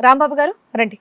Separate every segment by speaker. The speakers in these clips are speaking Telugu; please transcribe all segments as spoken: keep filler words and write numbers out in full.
Speaker 1: రాంబాబు గారు రండి.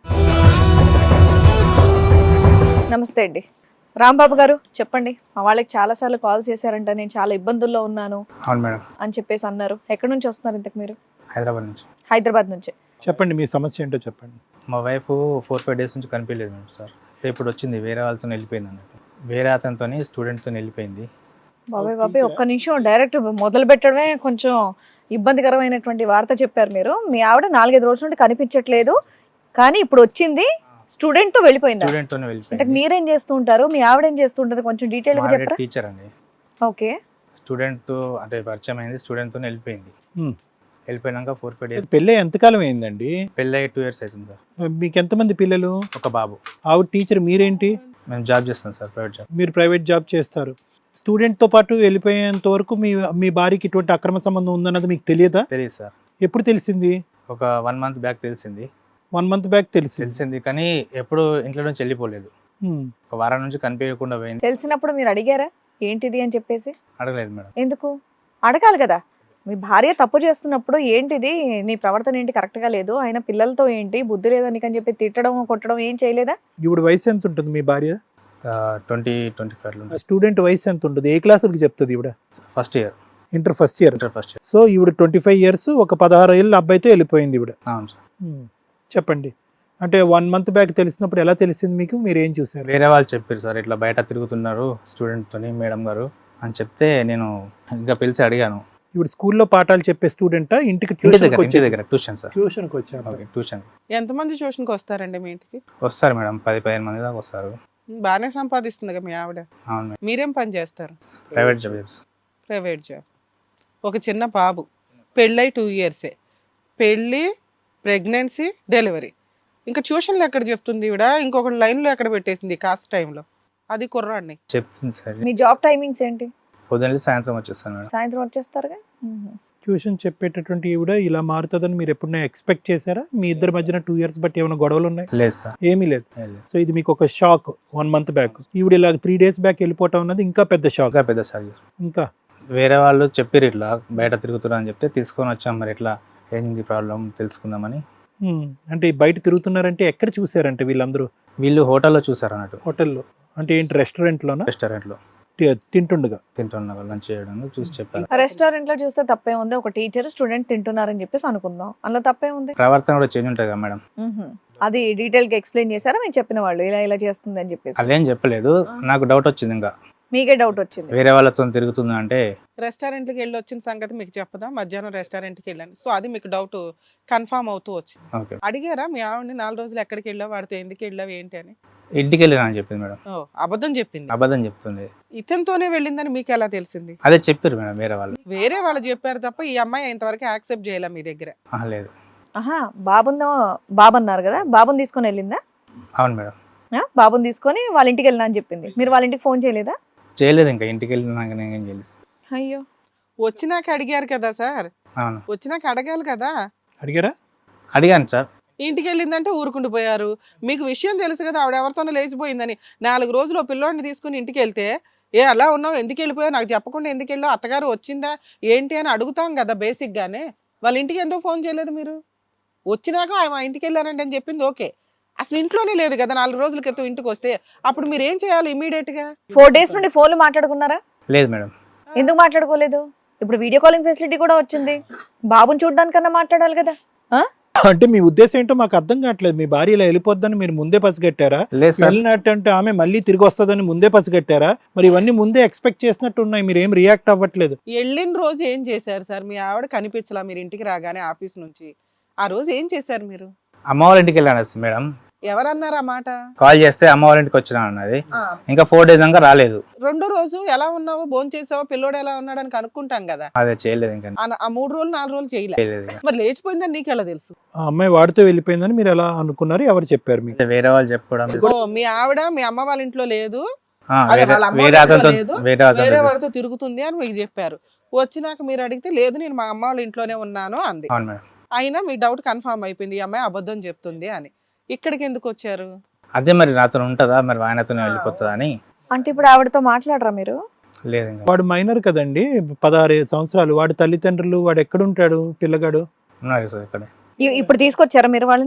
Speaker 1: నమస్తే అండి. రాంబాబు గారు చెప్పండి. మా వాళ్ళకి చాలా సార్లు కాల్ చేశారంట, నేను చాలా ఇబ్బందుల్లో ఉన్నాను
Speaker 2: అవును మేడం
Speaker 1: అని చెప్పేసి అన్నారు. ఎక్కడి నుంచి వస్తున్నారు ఇంతకు మీరు?
Speaker 2: హైదరాబాద్ నుంచి.
Speaker 1: హైదరాబాద్ నుంచి.
Speaker 3: చెప్పండి మీ సమస్య ఏంటో చెప్పండి.
Speaker 2: మా వైఫ్ ఫోర్ ఫైవ్ డేస్ నుంచి కనిపించలేదు మేడం సార్. ఇప్పుడు వచ్చింది, వేరే వాళ్ళతో వెళ్ళిపోయింది అన్నట్టు. వేరే అతనితో స్టూడెంట్తో వెళ్ళిపోయింది.
Speaker 1: బాబాయ్ బాబాయ్ ఒక్క నిమిషం, డైరెక్ట్ మొదలు పెట్టడమే కొంచెం ఇబ్బందికరమైనటువంటి వార్త చెప్పారు మీరు. మీ ఆవిడ నాలుగైదు రోజుల నుండి కనిపించట్లేదు, కానీ ఇప్పుడు వచ్చింది, స్టూడెంట్ తో వెళ్ళిపోయింది.
Speaker 2: స్టూడెంట్ తోనే
Speaker 1: అంటే
Speaker 2: వెళ్ళిపోయింది.
Speaker 1: మీరేం చేస్తూ ఉంటారు, మీ ఆవిడ ఏం చేస్తూ ఉంటారు, కొంచెం డీటెయిల్ గా చెప్పరా?
Speaker 2: టీచర్ అండి.
Speaker 1: ఓకే.
Speaker 2: స్టూడెంట్ తో అంటే పరిచయం అయింది, స్టూడెంట్ తోనే వెళ్ళిపోయింది.
Speaker 3: హ్మ్.
Speaker 2: వెళ్ళిపోయినాక ఫోర్ ఫైవ్ డేస్
Speaker 3: పెళ్ళి ఎంతకాలం అయిందండి?
Speaker 2: పెళ్ళి అయ్యి టూ ఇయర్స్ అవుతుంది సార్.
Speaker 3: మీకు ఎంతమంది పిల్లలు?
Speaker 2: ఒక బాబు.
Speaker 3: ఆవిడ టీచర్, మీరేంటి?
Speaker 2: మేము జాబ్ చేస్తాం సార్, ప్రైవేట్ జాబ్.
Speaker 3: మీరు ప్రైవేట్ జాబ్ చేస్తారు. స్టూడెంట్తో పాటు వెళ్ళిపోయేంత వరకు మీ మీ భార్యకి ఇటువంటి అక్రమ సంబంధం ఉందన్నది మీకు తెలియదా?
Speaker 2: తెలియదు సార్.
Speaker 3: ఎప్పుడు తెలిసింది?
Speaker 2: ఒక వన్ మంత్ బ్యాక్ తెలిసింది.
Speaker 3: వన్ మంత్ బ్యాక్ తెలిసింది.
Speaker 2: తెలిసింది కానీ ఎప్పుడు ఇంట్లో నుంచి వెళ్ళిపోలేదు.
Speaker 3: హ్మ్.
Speaker 2: ఒక వారం నుంచి కనిపించకుండా పోయింది.
Speaker 1: తెలిసినప్పుడు మీరు అడిగారా ఏంటిది అని చెప్పేసి?
Speaker 2: అడగలేదు మేడం.
Speaker 1: ఎందుకు అడగాలి కదా? మీ భార్య తప్పు చేస్తున్నప్పుడు ఏంటిది, నీ ప్రవర్తన ఏంటి కరెక్ట్ గా లేదు, ఆయన పిల్లలతో ఏంటి బుద్ధి లేదని అని చెప్పి తిట్టడం కొట్టడం ఏం చేయలేదా?
Speaker 3: ఇప్పుడు వయసు ఎంత ఉంటుంది మీ భార్య?
Speaker 2: ట్వంటీ ట్వంటీ ఫైవ్
Speaker 3: స్టూడెంట్ వయసు ఎంత ఉంటుంది? ఏ క్లాసులకి చెప్తుంది ఈవిడ?
Speaker 2: First year.
Speaker 3: Inter first year.
Speaker 2: Inter first year.
Speaker 3: So ఈవిడ ట్వంటీ ఫైవ్ ఇయర్స్, ఒక పదహారు ఏళ్ళ అబ్బాయితో వెళ్ళిపోయింది ఈవిడ.
Speaker 2: అవును సార్.
Speaker 3: హ్మ్. చెప్పండి. అంటే వన్ మంత్ బ్యాక్ తెలిసినప్పుడు ఎలా తెలిసింది మీకు? మీరు ఏం చూసారు?
Speaker 2: వేరే వాళ్ళు చెప్పారు సార్, ఇట్లా బయట తిరుగుతున్నారు స్టూడెంట్ తోని మేడం గారు అని చెప్తే నేను ఇంకా పిలిచి అడిగాను.
Speaker 3: ఇప్పుడు స్కూల్లో పాఠాలు చెప్పే స్టూడెంటా, ఇంటికి
Speaker 2: ఇంటి దగ్గర
Speaker 3: ట్యూషన్కి
Speaker 2: ఇంటి
Speaker 3: వచ్చే?
Speaker 2: దగ్గర ట్యూషన్ సార్.
Speaker 3: ట్యూషన్కి వచ్చారు.
Speaker 2: Okay, tuition.
Speaker 4: ఎంతమంది ట్యూషన్కి వస్తారండి మీ ఇంటికి?
Speaker 2: వస్తారు మేడం, పది పదిహేను మంది దాకా వస్తారు.
Speaker 4: బాగానే సంపాదిస్తుంది కదా మీ ఆవిడ.
Speaker 2: అవును మేడం.
Speaker 4: మీరేం పని చేస్తారు?
Speaker 2: ప్రైవేట్ జాబ్ చేస్తాను.
Speaker 4: Private job. ఒక చిన్న బాబు, పెళ్ళై టూ ఇయర్సే, పెళ్ళి, ప్రెగ్నెన్సీ, డెలివరీ. ఇంకా ట్యూషన్లు ఎక్కడ చెప్తుంది ఈవిడ? ఇంకొక లైన్లో ఎక్కడ పెట్టేసింది కాస్ట్ టైంలో? అది కుర్రాడిని
Speaker 2: చెప్తుంది సార్.
Speaker 1: మీ జాబ్ టైమింగ్స్ ఏంటి?
Speaker 2: పొద్దున్న సాయంత్రం వచ్చేస్తాను మేడం.
Speaker 1: సాయంత్రం వచ్చేస్తారుగా. మ్మ్.
Speaker 3: ట్యూషన్ చెప్పేటటువంటి ఈవిడ ఇలా మారుతుందని మీరు ఎప్పుడైనా ఎక్స్పెక్ట్ చేశారా? మీ ఇద్దరి మధ్యన టూ ఇయర్స్ బట్టి ఏమైనా గొడవలు ఉన్నాయి?
Speaker 2: లేదు సార్.
Speaker 3: ఏమీ లేదు.
Speaker 2: ఏం లేదు.
Speaker 3: సో ఇది మీకు ఒక షాక్. వన్ మంత్ బ్యాక్ ఈవిడ ఇలా త్రీ డేస్ బ్యాక్ వెళ్ళిపోవటం అన్నది ఇంకా పెద్ద షాక్.
Speaker 2: ఇంకా పెద్ద సార్.
Speaker 3: ఇంకా
Speaker 2: వేరే వాళ్ళు చెప్పారు ఇట్లా బయట తిరుగుతున్నా అని చెప్తే తీసుకొని వచ్చాం. మరి ఎట్లా ఏంది ప్రాబ్లం తెలుసుకుందామని.
Speaker 3: హ్మ్. అంటే ఈ బయట తిరుగుతున్నారంటే ఎక్కడ చూసారంటే వీళ్ళందరూ?
Speaker 2: వీళ్ళు హోటల్లో చూసారు అన్నట్టు.
Speaker 3: హోటల్లో అంటే ఏంటి, రెస్టారెంట్లోనా?
Speaker 2: రెస్టారెంట్లో
Speaker 3: తి- తింటుండగా
Speaker 2: తింటున్నా లంచ్ చేయడం చూసి చెప్పారు.
Speaker 1: రెస్టారెంట్ లో చూస్తే తప్పే ఉంది, ఒక టీచర్ స్టూడెంట్ తింటున్నారని చెప్పేసి అనుకుందాం, అందులో తప్పే ఉంది.
Speaker 2: ప్రవర్తన కూడా చేంజ్ ఉంటుంది కదా మేడం.
Speaker 1: మ్మ్. అది డీటెయిల్ గా ఎక్స్ప్లెయిన్ చేశారా మీరు చెప్పిన వాళ్ళు ఇలా ఇలా చేస్తుంది అని చెప్పేసి?
Speaker 2: అదేం చెప్పలేదు. నాకు డౌట్ వచ్చింది, ఇంకా
Speaker 1: మీకే డౌట్ వచ్చింది.
Speaker 2: వేరే వాళ్ళతో తిరుగుతుంది అంటే.
Speaker 4: రెస్టారెంట్కి వెళ్ళి వచ్చిన సంగతి మీకు చెప్పదా? మధ్యాహ్నం రెస్టారెంట్కి వెళ్ళాను, సో అది మీకు డౌట్ కన్ఫామ్ అవుతూ వచ్చింది.
Speaker 2: ఓకే.
Speaker 4: అడిగారా మీ ఆవిడని నాలుగు రోజులు ఎక్కడికి వెళ్ళావు, వాడితో ఎందుకు వెళ్ళావు ఏంటి అని?
Speaker 2: ఇంటికి వెళ్ళినా అని చెప్పింది మేడం.
Speaker 4: ఓ అబద్ధం చెప్పింది.
Speaker 2: అబద్ధం చెప్తుంది.
Speaker 4: ఇతనితోనే వెళ్ళిందని మీకు ఎలా తెలిసింది?
Speaker 2: అదే చెప్పారు మేడం వేరే వాళ్ళు.
Speaker 4: వేరే వాళ్ళు చెప్పారు తప్ప ఈ అమ్మాయి ఇంతవరకు యాక్సెప్ట్ చేయాల మీ దగ్గర?
Speaker 2: ఆహా, లేదు.
Speaker 1: ఆహా, బాబుందో బాబు అన్నారు కదా, బాబుని తీసుకొని వెళ్ళిందా?
Speaker 2: అవును మేడం.
Speaker 1: ఆ, బాబుని తీసుకొని వాళ్ళ ఇంటికి వెళ్ళినా అని చెప్పింది. మీరు వాళ్ళ ఇంటికి ఫోన్ చేయలేదా?
Speaker 2: చేయలేదు. ఇంకా ఇంటికి వెళ్ళినాక నేను ఏం చేయలేదు.
Speaker 1: అయ్యో,
Speaker 4: వచ్చినాక అడిగారు కదా సార్,
Speaker 2: అవును,
Speaker 4: వచ్చినాక అడగాలి కదా.
Speaker 3: అడిగారా?
Speaker 2: అడిగాను సార్.
Speaker 4: ఇంటికి వెళ్ళిందంటే ఊరుకుంటూ పోయారు. మీకు విషయం తెలుసు కదా ఆవిడ ఎవరితోనో లేచిపోయిందని. నాలుగు రోజులు ఓ పిల్లోడిని తీసుకుని ఇంటికి వెళ్తే, ఏ అలా ఉన్నావు, ఎందుకు వెళ్ళిపోయావు, నాకు చెప్పకుండా ఎందుకు వెళ్ళావు, అత్తగారు వచ్చిందా ఏంటి అని అడుగుతాం కదా బేసిక్ గానే. వాళ్ళ ఇంటికి ఎందుకు ఫోన్ చేయలేదు మీరు? వచ్చినాక మా ఇంటికి వెళ్ళారంటే అని చెప్పింది ఓకే, అసలు ఇంట్లోనే లేదు కదా నాలుగు రోజుల క్రితం ఇంటికి వస్తే, అప్పుడు మీరు ఏం చేయాలి ఇమీడియట్ గా?
Speaker 1: ఫోర్ డేస్ నుండి ఫోన్లు మాట్లాడుకున్నారా?
Speaker 2: లేదు మేడం.
Speaker 1: ఎందుకు మాట్లాడుకోలేదు? ఇప్పుడు వీడియో కాలింగ్ ఫెసిలిటీ కూడా వచ్చింది, బాబుని చూడడానికన్నా మాట్లాడాలి కదా. ఆ?
Speaker 3: అంటే మీ ఉద్దేశం ఏంటో మాకు అర్థం కావట్లేదు. మీ భార్య ఇలా వెళ్ళిపోద్దని మీరు ముందే పసిగట్టారా?
Speaker 2: లేదు సార్.
Speaker 3: వెళ్ళినట్టు ఆమె మళ్ళీ తిరిగి వస్తుందని ముందే పసిగట్టారా? మరి ఇవన్నీ ముందే ఎక్స్పెక్ట్ చేసినట్టు ఉన్నాయి, మీరు ఏం రియాక్ట్ అవ్వట్లేదు.
Speaker 4: వెళ్ళిన రోజు ఏం చేశారు సార్? మీ ఆవిడ కనిపించలా మీరు ఇంటికి రాగానే ఆఫీస్ నుంచి. ఆ రోజు ఏం చేశారు మీరు?
Speaker 2: అమ్మ వాళ్ళ ఇంటికి వెళ్ళాను మేడం.
Speaker 4: ఎవరన్నారు ఆ మాట?
Speaker 2: కాల్ చేస్తే అమ్మ వాళ్ళ ఇంటికి వచ్చినా అన్నది.
Speaker 4: ఆ,
Speaker 2: ఇంకా ఫోర్ డేస్ దాకా రాలేదు.
Speaker 4: రెండో రోజు ఎలా ఉన్నావు, భోజనం చేసావో, పిల్లోడు ఎలా ఉన్నాడు అని కనుక్కుంటాం కదా.
Speaker 2: అదే చేయలేదు. ఇంకా
Speaker 4: ఆ- ఆ మూడు రోజులు నాలుగు రోజులు చేయలే.
Speaker 2: చేయలేదు. ఇంకా
Speaker 4: మరి లేచిపోయిందని నీకు ఎలా తెలుసు?
Speaker 3: ఆ అమ్మాయి వాడితో వెళ్ళిపోయిందని మీరు ఎలా అనుకున్నారు? ఎవరు చెప్పారు మీకు?
Speaker 2: వేరే వాళ్ళు చెప్పడం.
Speaker 4: ఓ మీ ఆవిడ మీ అమ్మ వాళ్ళ ఇంట్లో లేదు,
Speaker 2: ఆ,
Speaker 4: అదే
Speaker 2: వేరే
Speaker 4: వాళ్ళ అమ్మ
Speaker 2: వేరే
Speaker 4: వాళ్ళ
Speaker 2: అతనితో
Speaker 4: లేదు,
Speaker 2: వేరే
Speaker 4: వేరే
Speaker 2: అతనితో.
Speaker 4: వాడితో తిరుగుతుంది అని మీకు చెప్పారు. వచ్చినాక మీరు అడిగితే లేదు నేను మా అమ్మ వాళ్ళ ఇంట్లోనే ఉన్నాను అంది.
Speaker 2: అవును మేడం.
Speaker 4: అయినా మీ డౌట్ కన్ఫర్మ్ అయిపోయింది, ఈ అమ్మాయి అబద్ధం చెప్తుంది అని. ఇక్కడికి ఎందుకు వచ్చారు?
Speaker 2: అదే మరి నాతో ఉంటుందా, మరి ఆయనతోనే వెళ్ళిపోతుందా అని.
Speaker 1: అంటే ఇప్పుడు ఆవిడతో మాట్లాడరా మీరు?
Speaker 2: లేదు. ఇంకా
Speaker 3: వాడు మైనర్ కదండి, పదహారు సంవత్సరాలు. వాడి తల్లిదండ్రులు, వాడు ఎక్కడుంటాడు పిల్లగాడు?
Speaker 2: ఉన్నారు సార్ ఇక్కడే.
Speaker 1: ఇ- ఇప్పుడు తీసుకొచ్చారా మీరు వాళ్ళని?
Speaker 2: ఆ,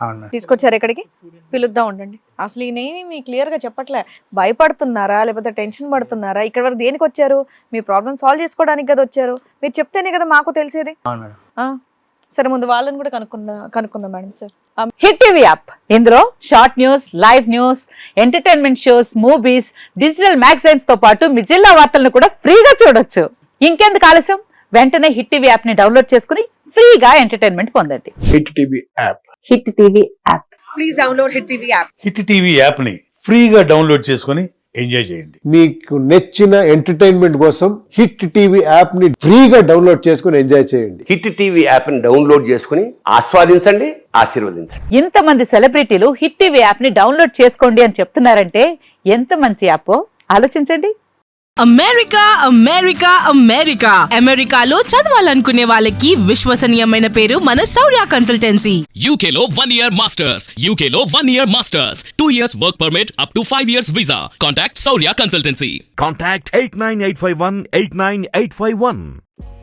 Speaker 2: అవును మేడం.
Speaker 1: తీసుకొచ్చారు ఇక్కడికి, పిలుద్దాం ఉండండి. అసలు ఈయనేమి మీ క్లియర్ గా చెప్పట్లే, భయపడుతున్నారా లేకపోతే టెన్షన్ పడుతున్నారా? ఇక్కడ వరకు దేనికి వచ్చారు? మీ ప్రాబ్లమ్ సాల్వ్ చేసుకోవడానికి కదా వచ్చారు. మీరు చెప్తేనే కదా మాకు తెలిసేది.
Speaker 2: అవును మేడం.
Speaker 1: ఆ, సరే ముందు వాళ్ళని కూడా కనుక్కుందా కనుక్కుందాం madam. Sir, hit TV app, ఇందులో short news, live news, entertainment shows, movies, digital magazines తో పాటు మీ జిల్లా వార్తలను కూడా ఫ్రీగా చూడొచ్చు. ఇంకెందుకు ఆలస్యం, వెంటనే హిట్ టీవీ యాప్ ని డౌన్లోడ్ చేసుకుని ఫ్రీగా ఎంటర్టైన్మెంట్ పొందండి.
Speaker 5: Hit TV app
Speaker 1: hit TV app, please download hit TV app.
Speaker 6: Hit TV యాప్ని ఫ్రీగా డౌన్లోడ్ చేసుకొని ఎంజాయ్ చేయండి.
Speaker 5: మీకు నచ్చిన ఎంటర్టైన్మెంట్ కోసం హిట్ టీవీ యాప్ ని ఫ్రీగా డౌన్లోడ్ చేసుకుని ఎంజాయ్ చేయండి.
Speaker 7: హిట్ టీవీ యాప్ని డౌన్లోడ్ చేసుకుని ఆస్వాదించండి, ఆశీర్వదించండి.
Speaker 8: ఇంతమంది సెలబ్రిటీలు హిట్ టీవీ యాప్ ని డౌన్లోడ్ చేసుకోండి అని చెప్తున్నారంటే ఎంత మంచి యాప్ ఆలోచించండి.
Speaker 9: అమెరికా అమెరికా అమెరికా అమెరికాలో చదవాలనుకునే వాళ్ళకి విశ్వసనీయమైన పేరు మన శౌర్య కన్సల్టెన్సీ.
Speaker 10: యూకేలో వన్ ఇయర్ మాస్టర్స్, యూకేలో one year masters, two years work permit, up to five years visa. Contact Shaurya consultancy.
Speaker 11: Contact eight nine eight five one eight nine eight five one.